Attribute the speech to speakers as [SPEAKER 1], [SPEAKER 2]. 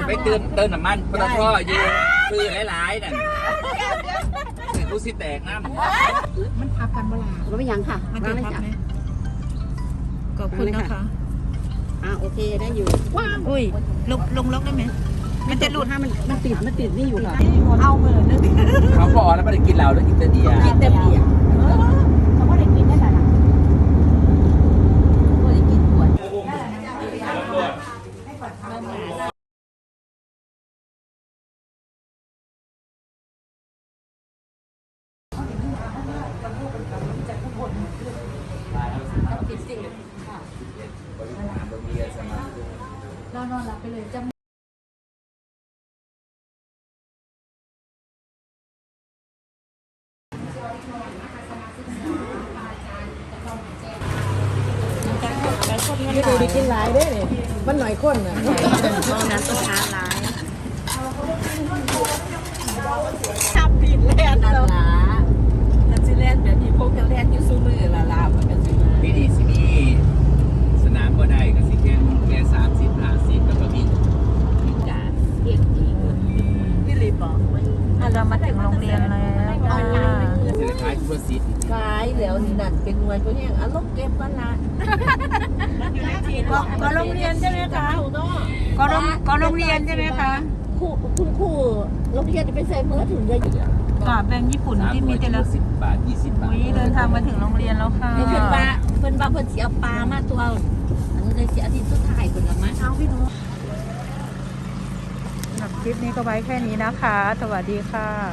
[SPEAKER 1] ไปเติมน้ำมันปตทอยู่ซื้อหลายๆนั่นรู้สิแตกน้ำ
[SPEAKER 2] มันทับกันเวลาเราไม่ยังค่ะมันจะทับไหมขอบคุณนะคะโอเคได้อยู่ว้าวอุ้ยลงล็อกได้ไหมมันจะหลุดมันติดนี่อยู่ค่ะเอามือนึง
[SPEAKER 1] เขาบอกแล้วไม่ได้กินเหล้าแล้วกินแต่เบียร์
[SPEAKER 2] เขาไม่ได้กินได้หรอไม่ได้กินขวดนอนหลับไปเลยจะ
[SPEAKER 3] ไม่ดูดีกินหลายได้เนี่ยมันหน่อยข้นอ่ะ
[SPEAKER 2] น้ำต้นช้าร้าย
[SPEAKER 3] ทับผิดแล่น
[SPEAKER 2] นั่นล่ะนั่นสิแล่นแบบนี้พวกกันแล่นอยู่สู้มือละลามันกันสิ
[SPEAKER 1] พี่ดีสินี่สนามบ่ได้ก็สิแค่30-50แล้วก็มี
[SPEAKER 2] การเรียกจริงพี่ลีบอกเรามาถึงโรงเรียนแล้ว
[SPEAKER 1] เจอคล้ายทั่วซิด
[SPEAKER 2] ขายแล้วนี่นั่นเป็นหน่วยตัวนี้อารมณ์เก็บกันละก็โรงเรียนใช่ไหมคะก็โรงเรียนใช่ไหมคะคุณครูโรงเรียนจะไปใส่เมื่อถึงจะกาแบงค์ญี่ปุ่นที่มีแต่ละ
[SPEAKER 1] 10 บาท20 บาท
[SPEAKER 2] เดินทางมาถึงโรงเรียนแล้วค่ะเพื่อนบ้านเสียปลามาตัวอันนี้เลยเสียอาทิตย์สุดท้ายคนละมั้งเอาพี่น้อง
[SPEAKER 3] คลิปนี้ก็ไว้แค่นี้นะคะสวัสดีค่ะ